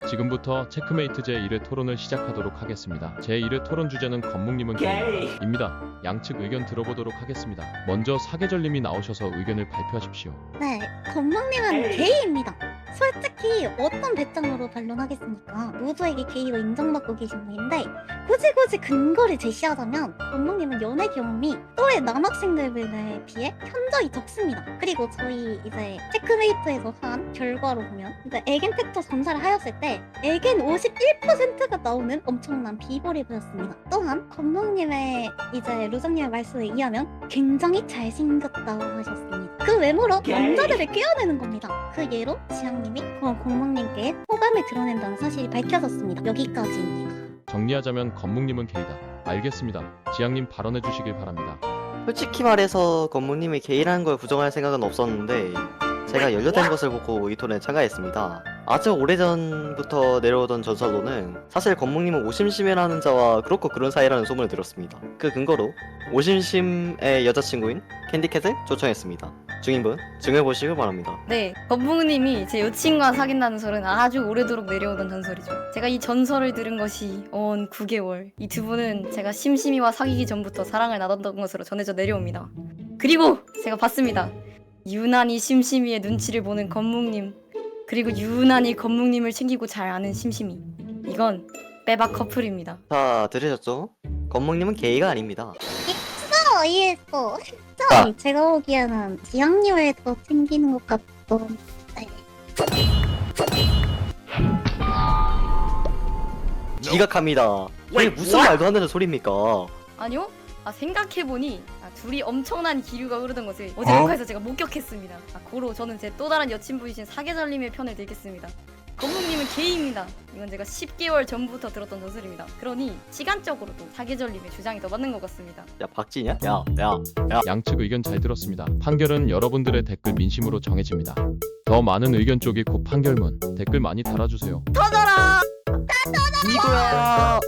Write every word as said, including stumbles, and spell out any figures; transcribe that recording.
지금부터 체크메이트 제일 회 토론을 시작하도록 하겠습니다. 제일 회 토론 주제는 건묵님은 게이입니다. 양측 의견 들어보도록 하겠습니다. 먼저 사계절님이 나오셔서 의견을 발표하십시오. 네, 건망님은 게이입니다. 솔직히 어떤 배짱으로 반론하겠습니까? 모두에게 게이로 인정받고 계신 분인데 굳이 굳이 근거를 제시하자면 건망님은 연애 경험이 또래 남학생들에 비해 현저히 적습니다. 그리고 저희 이제 체크메이트에서 한 결과로 보면 이제 에겐 팩터 검사를 하였을 때 에겐 오십일 퍼센트가 나오는 엄청난 비벌이 보였습니다. 또한 건망님의 이제 루저님의 말씀에 의하면 굉장히 잘생겼다고 하셨습니다. 그 외모로 남자들을 깨어내는 겁니다. 그 예로 지향님이 건망님께 호감을 드러낸다는 사실이 밝혀졌습니다. 여기까지입니다. 정리하자면 건묵님은 게이다. 알겠습니다. 지향님 발언해 주시길 바랍니다. 솔직히 말해서 건무님이 게이라는 걸 부정할 생각은 없었는데 제가 연료된 것을 보고 이 토론에 참가했습니다. 아주 오래전부터 내려오던 전설로는 사실 건묵님은 오심심이라는 자와 그렇고 그런 사이라는 소문을 들었습니다. 그 근거로 오심심의 여자친구인 캔디캣을 초청했습니다. 증인분 증해보시길 바랍니다. 네, 건붕님이 제 여친과 사귄다는 설은 아주 오래도록 내려오던 전설이죠. 제가 이 전설을 들은 것이 언 구 개월. 이 두 분은 제가 심심이와 사귀기 전부터 사랑을 나눴던 것으로 전해져 내려옵니다. 그리고 제가 봤습니다. 유난히 심심이의 눈치를 보는 건묵님, 그리고 유난히 건묵님을 챙기고 잘 아는 심심이. 이건 빼박 커플입니다. 자, 들으셨죠? 건묵님은 게이가 아닙니다. 어, 이해했어. 진짜 제가 보기에는 지향님을 더 챙기는 것 같던. 네. 지각합니다. 이게 무슨 말도 안 되는 소리입니까? 아니요? 아 생각해보니 아, 둘이 엄청난 기류가 흐르던 것을 어제 녹화에서 제가 목격했습니다. 아, 고로 저는 제 또 다른 여친분이신 사계절님의 편을 들겠습니다. 건묵님은 게이입니다. 이건 제가 십 개월 전부터 들었던 전설입니다. 그러니 시간적으로도 사계절님의 주장이 더 맞는 것 같습니다. 야, 박진이야? 야, 야, 야. 양측 의견 잘 들었습니다. 판결은 여러분들의 댓글 민심으로 정해집니다. 더 많은 의견 쪽이 곧 판결문. 댓글 많이 달아주세요. 터져라! 이거야.